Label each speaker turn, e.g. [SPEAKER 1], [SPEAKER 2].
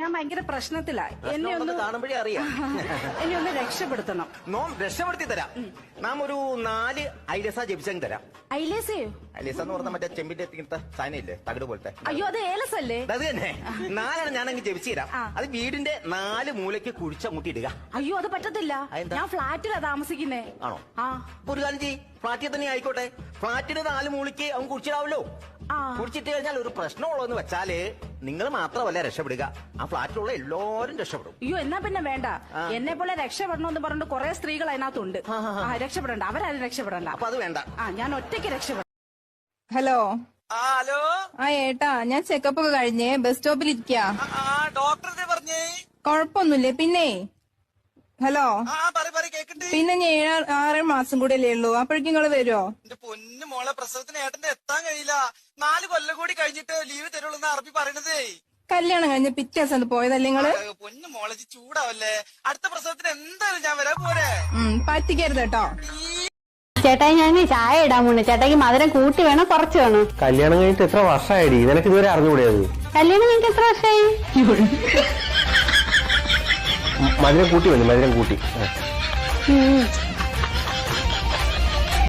[SPEAKER 1] ഞാൻ ഭയങ്കര പ്രശ്നത്തിലാ. എന്നെ ഒന്ന്
[SPEAKER 2] കാണുമ്പോഴേ അറിയാം.
[SPEAKER 1] എന്നെ ഒന്ന് രക്ഷപ്പെടുത്തണം.
[SPEAKER 2] രക്ഷപ്പെടുത്തി തരാം. നാം ഒരു 4 ഐലസ ജപിച്ചങ്ങ് തരാം.
[SPEAKER 1] ഐലേസയോ?
[SPEAKER 2] ഐലസ എന്ന് പറഞ്ഞാൽ മറ്റേ ചെമ്പിന്റെ ഇങ്ങനത്തെ സാധനം ഇല്ലേ, തകിട് പോലത്തെ.
[SPEAKER 1] അയ്യോ, അത് ഏലസല്ലേ?
[SPEAKER 2] അത് തന്നെ. 4 ഞാനങ്ങ് ജപിച്ചു തരാം. അത് വീടിന്റെ 4 മൂലയ്ക്ക് കുഴിച്ചങ്ങോട്ട് ഇടുക.
[SPEAKER 1] അയ്യോ, അത് പറ്റത്തില്ല. ഞാൻ ഫ്ലാറ്റിലാ താമസിക്കുന്നേ.
[SPEAKER 2] ആണോ? ഒരു കാര്യം ചെയ്യ്, ഫ്ലാറ്റിൽ തന്നെ ആയിക്കോട്ടെ. ഫ്ലാറ്റിന് 4 മൂലയ്ക്ക് അവൻ കുഴിച്ചിടാവല്ലോ. കുടിച്ചിട്ട് കഴിഞ്ഞാൽ ഒരു പ്രശ്നമുള്ളതെന്ന് വെച്ചാല് നിങ്ങൾ മാത്രമല്ല രക്ഷപ്പെടുക, ആ ഫ്ലാറ്റിലുള്ള എല്ലാവരും രക്ഷപ്പെടും.
[SPEAKER 1] അയ്യോ, എന്നാ പിന്നെ വേണ്ട. എന്നെ പോലെ രക്ഷപ്പെടണമെന്ന് പറഞ്ഞിട്ട് കുറെ സ്ത്രീകൾ അതിനകത്തുണ്ട്. രക്ഷപ്പെടണ്ട, അവരാരും രക്ഷപ്പെടണ്ട.
[SPEAKER 2] അപ്പൊ അത് വേണ്ട.
[SPEAKER 1] ഞാൻ ഒറ്റയ്ക്ക് രക്ഷപ്പെടാം.
[SPEAKER 3] ഹലോ.
[SPEAKER 2] ഹലോ.
[SPEAKER 3] ഏട്ടാ, ഞാൻ ചെക്കപ്പ് ഒക്കെ കഴിഞ്ഞേ ബസ് സ്റ്റോപ്പിൽ ഇരിക്കാ.
[SPEAKER 2] ഡോക്ടറെ പറഞ്ഞേ
[SPEAKER 3] കൊഴപ്പൊന്നുമില്ലേ? പിന്നെ ഹലോ, പിന്നെ ഞാൻ 6 മാസം കൂടെ അല്ലേ ഉള്ളൂ, അപ്പോഴേക്കും നിങ്ങള് വരുമോ?
[SPEAKER 4] എന്റെ പൊന്നു മോളെ, പ്രസവത്തിന് ഏട്ടന്റെ എത്താൻ കഴിയില്ല. 4 കൊല്ലം കൂടി കഴിഞ്ഞിട്ട് ലീവ് തരുള്ളൂ അറബി പറയണതേ.
[SPEAKER 3] കല്യാണം കഴിഞ്ഞ പിറ്റേ ദിവസം പോയതല്ലേ നിങ്ങള്?
[SPEAKER 4] പൊന്നു മോളെ ചൂടാവല്ലേ, അടുത്ത പ്രസവത്തിന് എന്തായാലും ഞാൻ വരാൻ പോരെ.
[SPEAKER 3] പറ്റിക്കരുത് കേട്ടോ.
[SPEAKER 5] ചേട്ടായി, ഞാൻ ചായ ഇടാൻ പോണേ. ചേട്ടായിക്ക് മധുരം കൂട്ടി വേണോ കുറച്ച് വേണോ?
[SPEAKER 6] കല്യാണം കഴിഞ്ഞിട്ട് എത്ര വർഷമായിടി? നിനക്ക് ഇതുവരെ അറിഞ്ഞുകൂടിയത്?
[SPEAKER 5] കല്യാണം കഴിഞ്ഞിട്ട് എത്ര വർഷമായി?
[SPEAKER 6] മധുരം കൂട്ടി മതി, മധുരം കൂട്ടി.